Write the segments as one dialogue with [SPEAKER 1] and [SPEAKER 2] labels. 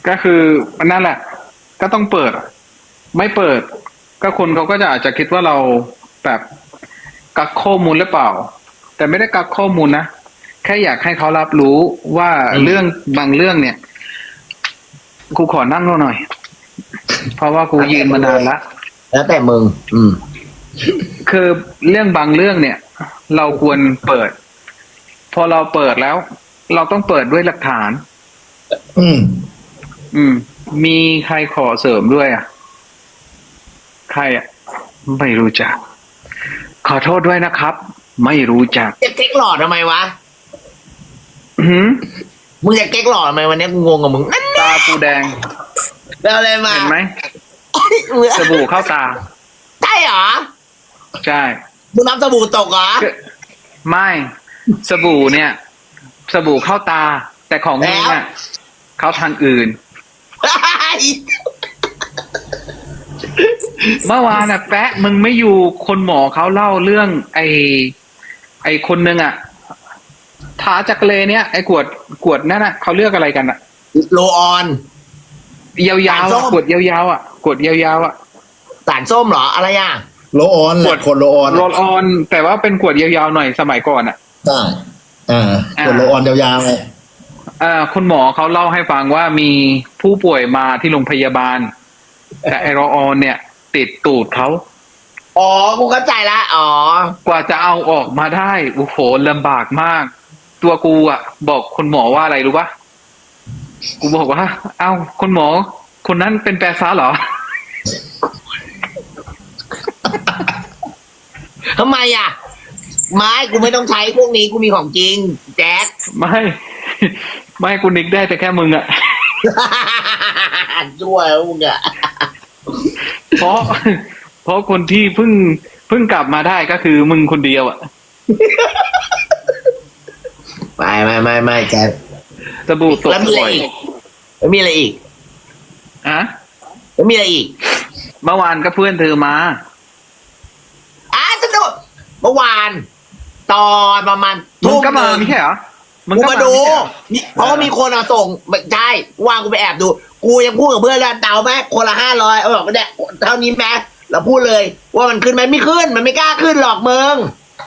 [SPEAKER 1] ก็คือนั่นแหละก็ต้องเปิดไม่เปิดก็คนเขาก็จะอาจจะคิดว่าเราแบบกักข้อมูลหรือเปล่าแต่ไม่ได้กักข้อมูลนะแค่อยากให้เขารับรู้ว่าเรื่องบางเรื่องเนี่ยกูขอนั่งหน่อยเพราะว่ากูยืนมานานละ
[SPEAKER 2] แล้วแต่มึง
[SPEAKER 1] คือเรื่องบางเรื่องเนี่ยเราควรเปิดพอเราเปิดแล้วเราต้องเปิดด้วยหลักฐาน
[SPEAKER 3] อืม
[SPEAKER 1] มีใครขอเสริมด้วยอ่ะใครอ่ะไม่รู้จักขอโทษด้วยนะครับไม่รู้จัก
[SPEAKER 2] จะเก๊กหลอดทำไมวะมึงจะเก๊กหลอดทำไมวันนี้กูงงกับมึง
[SPEAKER 1] ตาปูแดง
[SPEAKER 2] แล้วอะไรมา
[SPEAKER 1] เห็นไหมสบู่เข้าตา
[SPEAKER 2] ใช่เหรอ
[SPEAKER 1] ใช่
[SPEAKER 2] มึงน้ำสบู่ตกเหรอ
[SPEAKER 1] ไม่สบู่เนี่ยสบู่เข้าตาแต่ของมึงอ่ะเข้าทางอื่นเมื่อวานน่ะแปะมึงไม่อยู่คนหมอเขาเล่าเรื่องไอคนนึงอ่ะทาจักรเลเนี่ยไอกวดนั่นน่ะเขาเลือกอะไรกันอ่ะ
[SPEAKER 2] โลออน
[SPEAKER 1] ยาวๆกวดยาวๆอ่ะกวดยาวๆอ่ะ
[SPEAKER 2] สารส้มเหรออะไรอ่ะ
[SPEAKER 3] โลออนขวดโลออน
[SPEAKER 1] โรลออนแต่ว่าเป็นขวดยาวๆหน่อยสมัยก่อนอ่ะ
[SPEAKER 3] ใช่ขวดโลออนยาวๆเลย
[SPEAKER 1] คุณหมอเขาเล่าให้ฟังว่ามีผู้ป่วยมาที่โรงพยาบาลแต่ไอโรลออนเนี่ยติดตูดเขา
[SPEAKER 2] อ๋อกูเข้าใจละอ๋
[SPEAKER 1] อกว่าจะเอาออกมาได้โอ้โหลำบากมากตัวกูอ่ะบอกคุณหมอว่าอะไรรู้ปะกูบอกว่าเอ้าคุณหมอคนนั้นเป็นแปรซ่าเหรอ
[SPEAKER 2] ทำไมอ่ะไม่กูไม่ต้องใช้พวกนี้กูมีของจริงแจ๊ค
[SPEAKER 1] ไม่กูนิกได้แต่แค่มึงอ่ะ
[SPEAKER 2] ช่วยมึงอ่ะ
[SPEAKER 1] เพราะคนที่เพิ่งกลับมาได้ก็คือมึงคนเดียวอ่ะ
[SPEAKER 2] ไม่แจ๊ค
[SPEAKER 1] สบู่ตกบ่อย
[SPEAKER 2] แล้วมีอะไรอีก
[SPEAKER 1] อะ
[SPEAKER 2] แล้วมีอะไรอีก
[SPEAKER 1] เมื่อวานก็เพื่อนเธอมา
[SPEAKER 2] สนุกเมื่อวานตอนประมาณ
[SPEAKER 1] มึงก็มาไม่ใช่เหรอ
[SPEAKER 2] มึงมาดูเพราะว่ามีคนเอาส่งใช่ว่างกูไปแอบดูกูยังพูดกับเพื่อนแล้วเดาไหมคนละ500เอาบอกว่าเนี่ยเท่านี้แม้เราพูดเลยว่ามันขึ้นไหมไม่ขึ้นมันไม่กล้าขึ้นหรอกมึง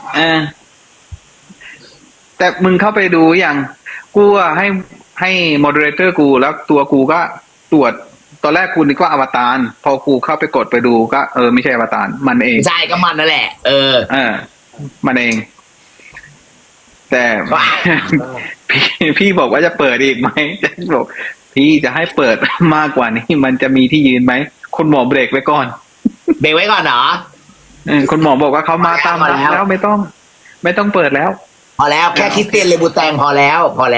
[SPEAKER 1] แต่มึงเข้าไปดูอย่างกูอะให้โมเดเลเตอร์กูแล้วตัวกูก็ตรวจตอนแรกกูนึกว่าอวตารพอกูเข้าไปกดไปดูก็ไม่ใช่อวตารมันเอง
[SPEAKER 2] ใช่ก็มันนั่นแหละ
[SPEAKER 1] มันเองแต่พี่บอกว่าจะเปิดอีกไหมจะบอกพี่จะให้เปิดมากกว่านี้มันจะมีที่ยืนไหมคุณหมอเบรกไว้ก่อน
[SPEAKER 2] เบรกไว้ก่อนเหรอ
[SPEAKER 1] คุณหมอบอกว่าเขามาตามแล้วไม่ต้องเปิดแล้ว
[SPEAKER 2] พอแล้วแค่คริสเตียนเลบูแตงพอแล้ว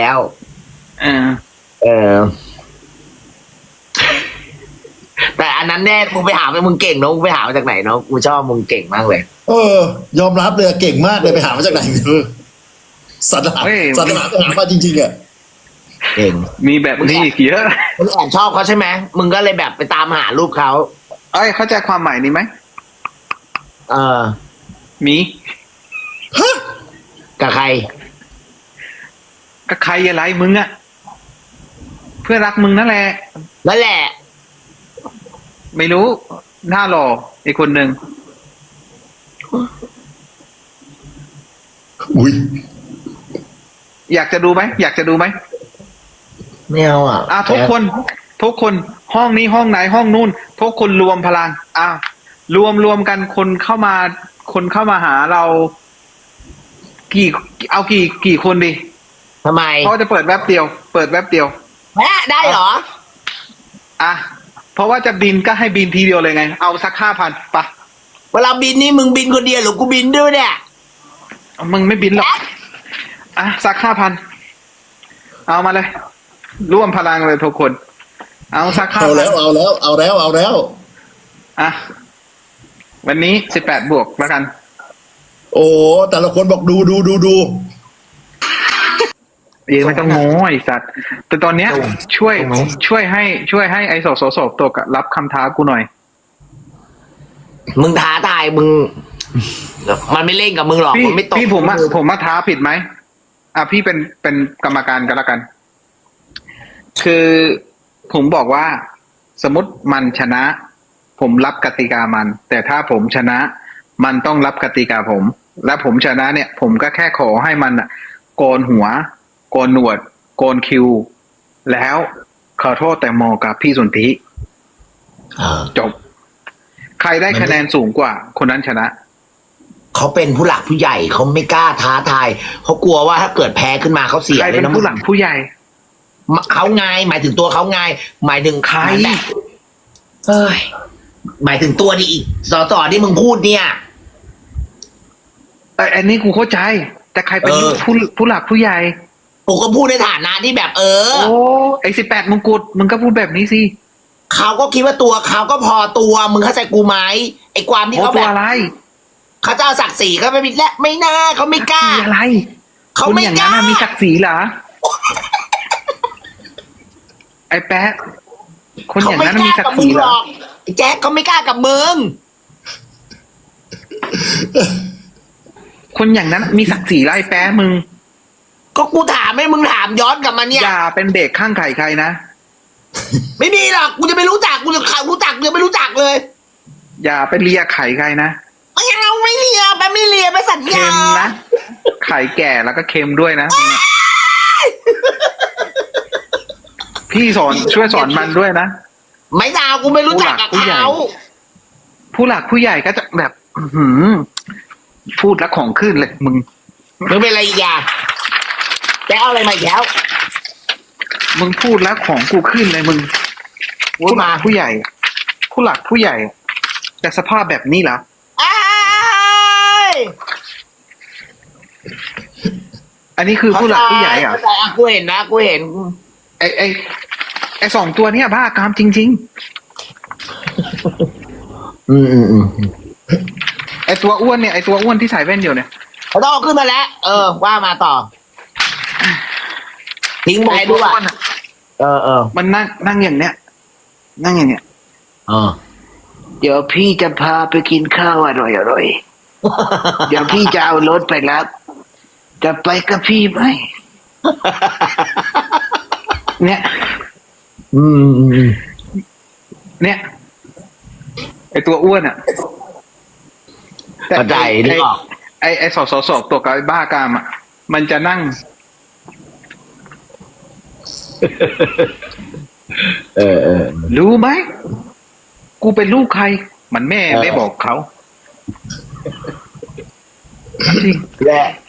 [SPEAKER 2] แต่อันนั้นแน่มึงไปหามึงเก่งเนาะมึงไปหามาจากไหนเนาะกูชอบมึงเก่งมากเลย
[SPEAKER 3] ยอมรับเลยเก่งมากเลยไปหามาจากไหนสัตว์หาไปหามาจริงๆอ่ะ
[SPEAKER 2] เก่ง
[SPEAKER 1] มีแบบนี้อีกเยอะ
[SPEAKER 2] มึงแอบชอบเขาใช่ไหมมึงก็เลยแบบไปตามหารูปเขา
[SPEAKER 1] เข้าใจความหมายนี้ไหมมี
[SPEAKER 2] กับใคร
[SPEAKER 1] กับใครอะไรมึงอะเพื่อนรักมึงนั่นแหละไม่รู้หน้าหล่ออีกคนหนึ่งอยากจะดูไหม
[SPEAKER 2] ไม่เอา
[SPEAKER 1] ทุกคนห้องนี้ห้องไหนห้องนู้นทุกคนรวมพลังรวมกันคนเข้ามาหาเรากี่คนดี
[SPEAKER 2] ทำไม
[SPEAKER 1] เขาจะเปิดแว็บเดียว
[SPEAKER 2] ได้เหรอ
[SPEAKER 1] เพราะว่าจะบินก็ให้บินทีเดียวเลยไงเอาสัก5,000ปะ
[SPEAKER 2] เวลาบินนี่มึงบินคนเดียวหรือกูบินด้วยเนี่ย
[SPEAKER 1] มึงไม่บินหรอกสัก5,000เอามาเลยร่วมพลังเลยทุกคนเอาสัก5,000
[SPEAKER 3] เอาแล้ว
[SPEAKER 1] วันนี้18 บวกแล้วกัน
[SPEAKER 3] โอ้แต่ละคนบอกดู
[SPEAKER 1] ไม่ต้องโง่ไอ้สัตว์แต่ตอนเนี้ยช่วยให้ไอ้สอบตกรับคำท้ากูหน่อย
[SPEAKER 2] มึงท้าทายมึงมันไม่เล่นกับมึงหรอกมันไม่ตก
[SPEAKER 1] พี่ผมมาท้าผิดไหมพี่เป็นกรรมการกันละกันคือผมบอกว่า สมมติมันชนะ ผมรับกติกามัน แต่ถ้าผมชนะ มันต้องรับกติกาผม และผมชนะเนี่ย ผมก็แค่ขอให้มันอะโกนหัว โกนหนวด โกนคิว แล้วขอโทษแต่โมกับพี่สนธิ จบ ใครได้คะแนนสูงกว่า คนนั้นชนะ
[SPEAKER 2] เขาเป็นผู้หลักผู้ใหญ่เขาไม่กล้าท้าทายเขากลัวว่าถ้าเกิดแพ้ขึ้นมาเขาเสีย
[SPEAKER 1] ใคร
[SPEAKER 2] เล
[SPEAKER 1] เป็
[SPEAKER 2] ย
[SPEAKER 1] น
[SPEAKER 2] นะ
[SPEAKER 1] ผู้หลักผู้ใหญ่
[SPEAKER 2] เขาไงหมายถึงตัวเขาไงหมายถึง
[SPEAKER 1] ใคร
[SPEAKER 2] แบบเอ้ยหมายถึงตัวนี่อีกสอที่มึงพูดเนี่ย
[SPEAKER 1] อันนี้กูเข้าใจ แต่ใครเป็น ผู้หลักผู้ใหญ่
[SPEAKER 2] ผมก็พูดในฐานะที่แบบ
[SPEAKER 1] โอ้ไอ้18 มงกุฎมึงก็พูดแบบนี้สิ
[SPEAKER 2] เขาก็คิดว่าตัวเขาก็พอตัวมึงเข้าใจกูไหมไอ้ความที่
[SPEAKER 1] โอ้
[SPEAKER 2] เขา
[SPEAKER 1] ตั
[SPEAKER 2] แบ
[SPEAKER 1] ว
[SPEAKER 2] บ
[SPEAKER 1] อะไร
[SPEAKER 2] เขาจะเอาศักดิ์ศรีเขาไม่และไม่น่าเขาไม่กล้า
[SPEAKER 1] ศักดิ์ศรีอะไร
[SPEAKER 2] เขา
[SPEAKER 1] คน
[SPEAKER 2] ไม่
[SPEAKER 1] อย่าง
[SPEAKER 2] ก
[SPEAKER 1] นั้น
[SPEAKER 2] ล้า
[SPEAKER 1] น่ะมีศักดิ์ศรีเหรอ ไอ้แป๊ะคนอย่างนั้นน่ะมีศักดิ์ศรีเหรอ
[SPEAKER 2] ไอ้แจ็คเขาไม่กล้ากับมึง
[SPEAKER 1] คนอย่างนั้นมีศักดิ์ศรีแล้วไอ้แป๊ะมึง
[SPEAKER 2] ก็กูถามให้มึงถามย้อนกลับมาเนี่ย
[SPEAKER 1] อย่าเป็นเด็กข้างไข่ใครนะ
[SPEAKER 2] ไม่มีหรอกกูจะไม่รู้จักกูจะรู้จักกูยังไม่รู้จักเลย
[SPEAKER 1] อย่าไปเลียไข่ใครนะ
[SPEAKER 2] ไม่เอาไม่เลียไปไม่เลียไปสัญ
[SPEAKER 1] เค็
[SPEAKER 2] ญาม
[SPEAKER 1] นะ ไข่แก่แล้วก็เค็มด้วยนะพี่ช่วยสอนมันด้วยนะ
[SPEAKER 2] ไม่เอากูไม่รู้จักกับ
[SPEAKER 1] ผู้หลักผู้ใหญ่
[SPEAKER 2] เขา
[SPEAKER 1] ผู้หลักผู้ใหญ่ก็จะแบบ อื้อหือพูดแล้วของขึ้นเลยมึง
[SPEAKER 2] มึงเป็นอะไรอีกอย่างแกเอาอะไรมาอีกแล้ว
[SPEAKER 1] มึงพูดแล้วของกูขึ้นเลยมึง
[SPEAKER 2] พูดมา
[SPEAKER 1] ผู้ใหญ่ ผู้หลักผู้ใหญ่ แต่สภาพแบบนี้เหรอ
[SPEAKER 2] อ้าย
[SPEAKER 1] อันนี้คือผู้หลักผู้ใหญ่เหรอ่ะ
[SPEAKER 2] เข้าใจกูเห็นนะกูเห็น
[SPEAKER 1] ไอ้2 ตัวเนี้ยบ้ากามจริง ๆ ไอ้ตัวอ้วนเนี่ยไอ้ตัวอ้วนที่ใส่แว่นอยู่เนี่ย
[SPEAKER 2] เขาต้องเอาขึ้นมาแล้ว ว่ามาต่อ ทิ้งไว้ด้วย
[SPEAKER 1] อ้วนอะ มันนั่งอย่างเนี้ย นั่งอย่างเนี้ย เดี๋ยวพี่จะพาไปกินข้าวอร่อยๆ เดี๋ยวพี่จะเอารถไปรับ จะไปกับพี่ไหม เนี่ย เนี่ย ไอตัวอ้วนอ่ะ
[SPEAKER 2] เข้าใจนึกออก
[SPEAKER 1] ไอสอตัวกับไอ้บ้ากามอ่ะ มันจะนั่ง รู้ไหม กูเป็นลูกใคร มันแม่ไม่บอกเขาจริง
[SPEAKER 2] และ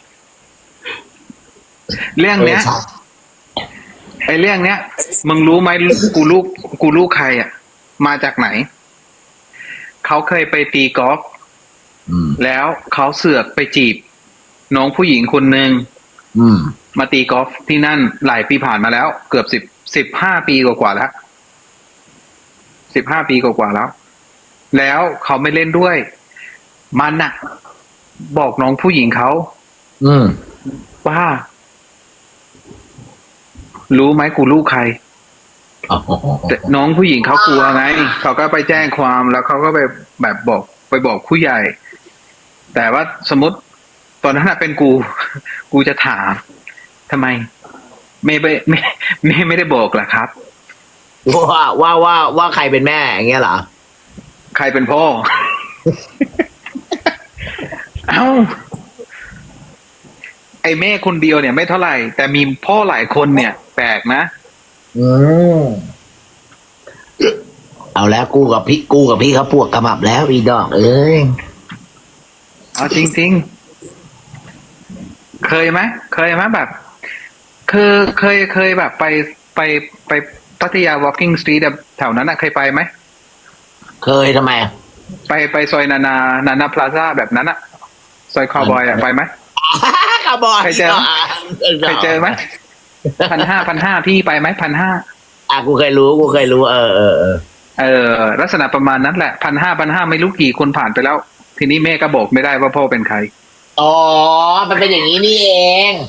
[SPEAKER 1] เรื่องเนี้ย ไอเรื่องเนี้ย มึงรู้ไหมกูลูกใครอ่ะ มาจากไหน เขาเคยไปตีกอล์ฟแล้วเขาเสือกไปจีบ น้องผู้หญิงคนหนึ่งมาตีกอล์ฟที่นั่นหลายปีผ่านมาแล้ว เกือบ15 ปีกว่าแล้ว15 ปีกว่าแล้ว แล้วเขาไม่เล่นด้วย มันน่ะ บอกน้องผู้หญิงเขาว่า รู้ไหมกูลูกใคร แต่น้องผู้หญิงเขากลัวไงเขาก็ไปแจ้งความแล้วเขาก็ไปแบบบอกผู้ใหญ่ แต่ว่าสมมติตอนนั้นเป็นกูจะถามทำไมไม่ได้บอกล่ะครับ
[SPEAKER 2] ว่าใครเป็นแม่อย่างเงี้ยเหรอ
[SPEAKER 1] ใครเป็นพ่อ เอ้าไอ้แม่คนเดียวเนี่ยไม่เท่าไหร่ แต่มีพ่อหลายคนเนี่ย แปลกนะ
[SPEAKER 2] เอาแล้วกูกับพี่เขาปวดกระหมับแล้วอีดอกเอ้ย
[SPEAKER 1] เอาจริงๆ เคยไหมแบบเคยแบบไปพัทยา walking street แถวนั้นนะเคยไปไหม
[SPEAKER 2] เคยทำไม
[SPEAKER 1] ไปซอยนานาพลาซ่าแบบนั้นอะซอยคาวบอยอะไปไหม
[SPEAKER 2] คาร์บอย
[SPEAKER 1] เคยเจอไหม1,500พี่ไปไหม1,500
[SPEAKER 2] กูเคยรู้
[SPEAKER 1] ลักษณะประมาณนั้นแหละ1,500ไม่รู้กี่คนผ่านไปแล้ว ทีนี้แม่ก็บอกไม่ได้ว่าพ่อเป็นใคร
[SPEAKER 2] อ๋อมันเป็นอย่างนี้นี่เอง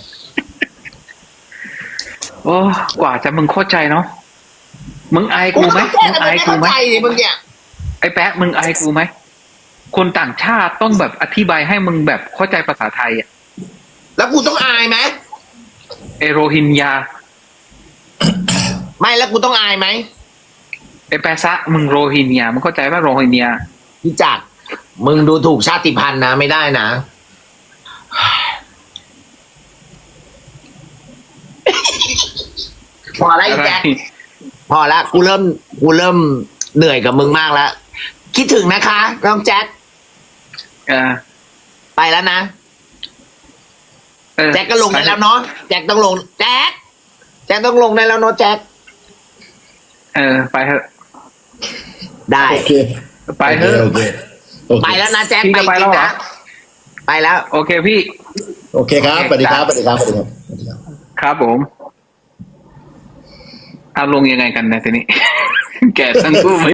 [SPEAKER 1] โอ้กว่าจะมึงเข้าใจเนาะมึงอายกูไหมมึงอายกูไหม
[SPEAKER 2] มึงเนี่ย
[SPEAKER 1] ไอ้แป๊ะมึงอายกูไหมคนต่างชาติต้องแบบอธิบายให้มึงแบบเข้าใจภาษาไทยอ่ะ
[SPEAKER 2] แล้วกูต้องอายไหม
[SPEAKER 1] เอโรฮินยา
[SPEAKER 2] ไม่แล้วกูต้องอายไหม
[SPEAKER 1] ไอ้แปซะมึงโรฮิงญามึงเข้าใจว่าโรฮิงญา
[SPEAKER 2] พี่จักรมึงดูถูกชาติพันธุ์นะไม่ได้นะ พอแล้วไอ้แจ็คพอแล้วกูเริ่มเหนื่อยกับมึงมากแล้วคิดถึงนะคะน้องแจ็ค
[SPEAKER 1] เออ
[SPEAKER 2] ไปแล้วนะ
[SPEAKER 1] เออ
[SPEAKER 2] แจ็คก็ลงได้แล้วเนาะแจ็คต้องลงแจ็คต้องลงได้แล้วเนาะแจ็ค
[SPEAKER 1] เออ ไปเถอะ
[SPEAKER 2] ได้
[SPEAKER 3] โอเค
[SPEAKER 1] ไปเถอะ
[SPEAKER 3] โอเคโอเค
[SPEAKER 2] ไปแล้วนะแจ็ค
[SPEAKER 1] พี่จะไป
[SPEAKER 2] จ
[SPEAKER 1] แล้
[SPEAKER 2] ริ
[SPEAKER 1] ว
[SPEAKER 2] ง
[SPEAKER 1] เหรอ
[SPEAKER 2] นะไปแล้ว
[SPEAKER 1] โอเคพี่
[SPEAKER 3] โอเคครับสวัสดีครับสวัสดีครับสวัสดีครับสวัสดีครับ
[SPEAKER 1] ครับผมเอาลงยังไงกันนะทีนี้ แกทั้งคู่ไหม